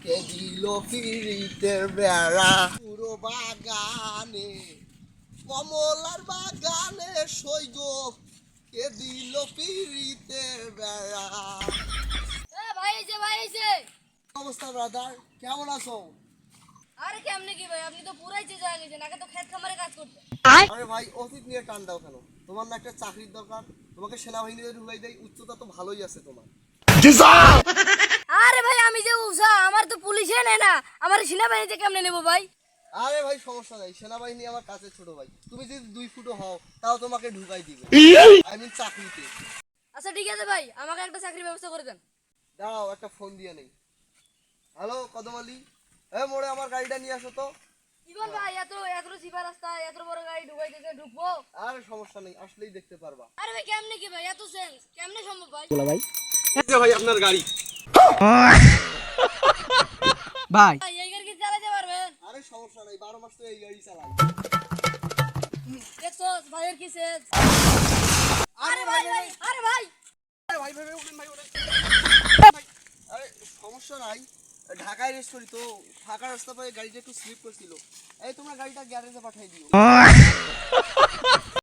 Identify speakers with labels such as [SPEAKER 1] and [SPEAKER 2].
[SPEAKER 1] দিল পিরিতের বেড়া পুরো বাগানে কমলার বাগানে সইগ কে দিল পিরিতের বেড়া।
[SPEAKER 2] ভাই এসে
[SPEAKER 1] অবস্থা ব্রাদার, কেমন আছো?
[SPEAKER 2] আরে কেমনে কি ভাই, আপনি তো পুরাই চেয়ে যায় নিছেন, আগে তো ক্ষেত খামারে কাজ করতেন।
[SPEAKER 1] আরে ভাই অতীত নিয়ে টান দাও কেন? তোমার না একটা চাকরির দরকার, তোমাকে সেনাবাহিনীতে ঢুকাই দেয়, উচ্চতা তো ভালোই আছে তোমার।
[SPEAKER 2] আরে ভাই আমি যে উষা, আমার তো পুলিশে নেয় না, আমার সেনাবাহিনীতে কেমনে নেবো ভাই?
[SPEAKER 1] আরে ভাই সমস্যা নাই, সেনাবাহিনী আমার কাছে ছোট ভাই, তুমি যদি 2 ফুটও হও তাও তোমাকে ঢুকাই দিবে, আই মিন চাকরিতে।
[SPEAKER 2] আচ্ছা ঠিক আছে ভাই, আমাকে একটা চাকরির ব্যবস্থা করে দেন।
[SPEAKER 1] দাঁড়াও একটা ফোন দিয়ে নেই। হ্যালো কদম আলী, মোড়ে আমার গাড়িটা নিয়ে আসো তো।
[SPEAKER 2] ইবন ভাই এত এত চিপা রাস্তা, এত বড় গাড়ি ঢুকাই দিতে ঢুকবো?
[SPEAKER 1] আরে সমস্যা নেই, আসলেই দেখতে পারবা।
[SPEAKER 2] আরে ভাই কেমনে কি ভাই, এত সেন্স কেমনে সম্ভব ভাই?
[SPEAKER 1] ভাই আপনার গাড়ি।
[SPEAKER 3] ভাই
[SPEAKER 2] ভাই এই গাড়ি কি চালাতে পারবেন?
[SPEAKER 1] আরে সমস্যা নাই, 12 মাস তো এই গাড়ি চালাই।
[SPEAKER 2] দেখছো ভাইয়ের কি সেন্স?
[SPEAKER 1] আরে ভাই ভাই
[SPEAKER 2] আরে ভাই
[SPEAKER 1] আরে ভাই ভাই উঠেন ভাই উঠেন। আরে সমস্যা নাই, ঢাকায় রেস্ট করি তো, ফাঁকা রাস্তা পায়ে গাড়িটা একটু স্লিপ করছিল। এই তোমরা গাড়িটা গ্যারেজে পাঠিয়ে দিও।